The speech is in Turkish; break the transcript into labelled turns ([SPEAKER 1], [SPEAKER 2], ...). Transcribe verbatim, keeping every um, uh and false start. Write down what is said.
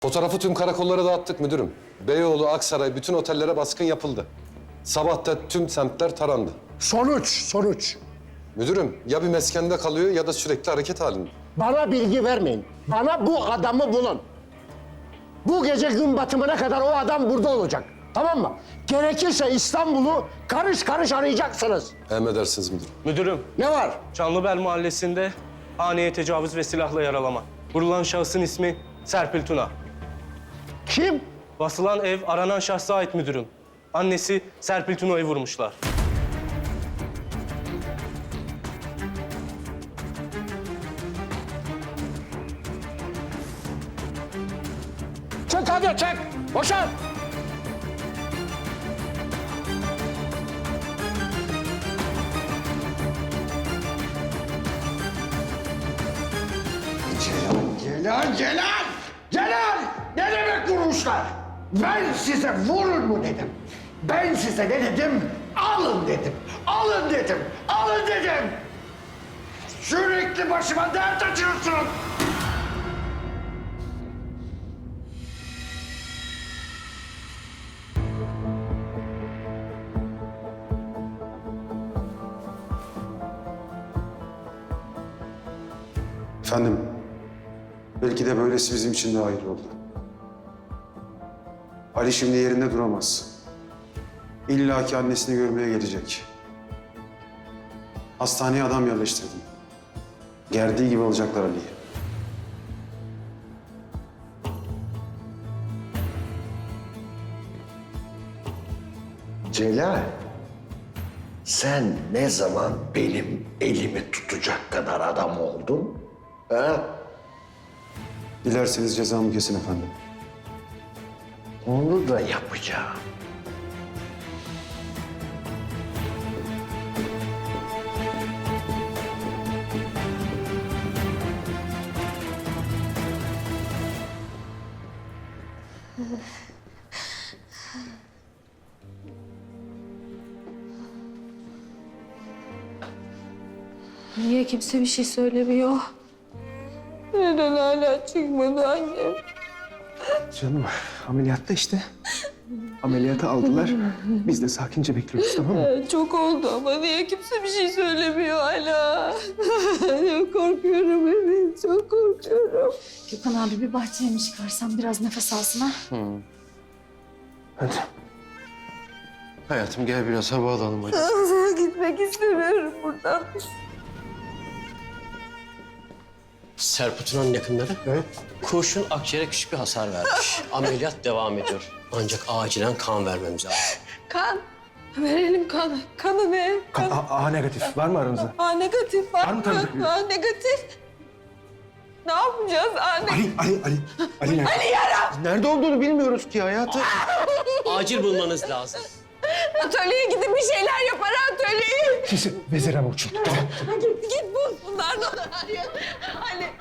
[SPEAKER 1] Fotoğrafı tüm karakollara dağıttık müdürüm. Beyoğlu, Aksaray, bütün otellere baskın yapıldı. Sabah da tüm semtler tarandı.
[SPEAKER 2] Sonuç, sonuç.
[SPEAKER 1] Müdürüm ya bir meskende kalıyor ya da sürekli hareket halinde.
[SPEAKER 2] Bana bilgi vermeyin. Bana bu adamı bulun. Bu gece gün batımına kadar o adam burada olacak. Tamam mı? Gerekirse İstanbul'u karış karış arayacaksınız.
[SPEAKER 1] Emredersiniz müdürüm.
[SPEAKER 3] Müdürüm,
[SPEAKER 2] Ne var?
[SPEAKER 3] Çanlıbel Mahallesi'nde haneye tecavüz ve silahla yaralama. Vurulan şahsın ismi Serpil Tuna.
[SPEAKER 2] Kim?
[SPEAKER 3] Basılan ev aranan şahsa ait müdürüm. Annesi Serpil Tuna'yı vurmuşlar.
[SPEAKER 2] Çık hadi çık. Boşan. Celal, Celal! Celal! Ne demek vurmuşlar? Ben size vurun mu dedim. Ben size ne dedim? Alın dedim. Alın dedim. Alın dedim. Sürekli başıma dert açıyorsun.
[SPEAKER 4] Efendim, belki de böylesi bizim için daha iyi oldu. Ali şimdi yerinde duramaz. İlla ki annesini görmeye gelecek. Hastaneye adam yerleştirdim. Gerdiği gibi alacaklar Ali'yi.
[SPEAKER 2] Celal, sen ne zaman benim elimi tutacak kadar adam oldun? Ha?
[SPEAKER 4] Dilerseniz cezamı kesin efendim.
[SPEAKER 2] Onu da yapacağım.
[SPEAKER 5] Niye kimse bir şey söylemiyor? Neden hala çıkmadı annem?
[SPEAKER 6] Canım ameliyatta işte. Ameliyata aldılar. Biz de sakince bekliyoruz, tamam mı?
[SPEAKER 5] Çok oldu ama niye kimse bir şey söylemiyor hala? Çok korkuyorum evet, çok korkuyorum.
[SPEAKER 7] Gökhan abi bir bahçeye mi çıkarsam biraz nefes alsın ha?
[SPEAKER 6] Hadi. Hayatım gel biraz hava alalım hadi.
[SPEAKER 5] Gitmek istemiyorum buradan.
[SPEAKER 8] Serpil Tuna'nın yakınları
[SPEAKER 6] Evet.
[SPEAKER 8] kurşun akciğere küçük bir hasar vermiş. Ameliyat devam ediyor. Ancak acilen kan vermemiz lazım.
[SPEAKER 5] Kan. Verelim kan. Kanı ne?
[SPEAKER 6] Kan, A, A negatif. Var mı aranızda?
[SPEAKER 5] A negatif var,
[SPEAKER 6] Var mı tanıdık biri?
[SPEAKER 5] A negatif. Ne yapacağız A negatif?
[SPEAKER 6] Ali, Ali, Ali. Ali nerede? Ali yara! Nerede olduğunu bilmiyoruz ki hayatı.
[SPEAKER 8] Acil bulmanız lazım.
[SPEAKER 5] Atölyeye gidin bir şeyler yapar atölyeye.
[SPEAKER 6] Siz vezir ama uçun. Tamam.
[SPEAKER 5] Git, git bul bunlardan. Ali,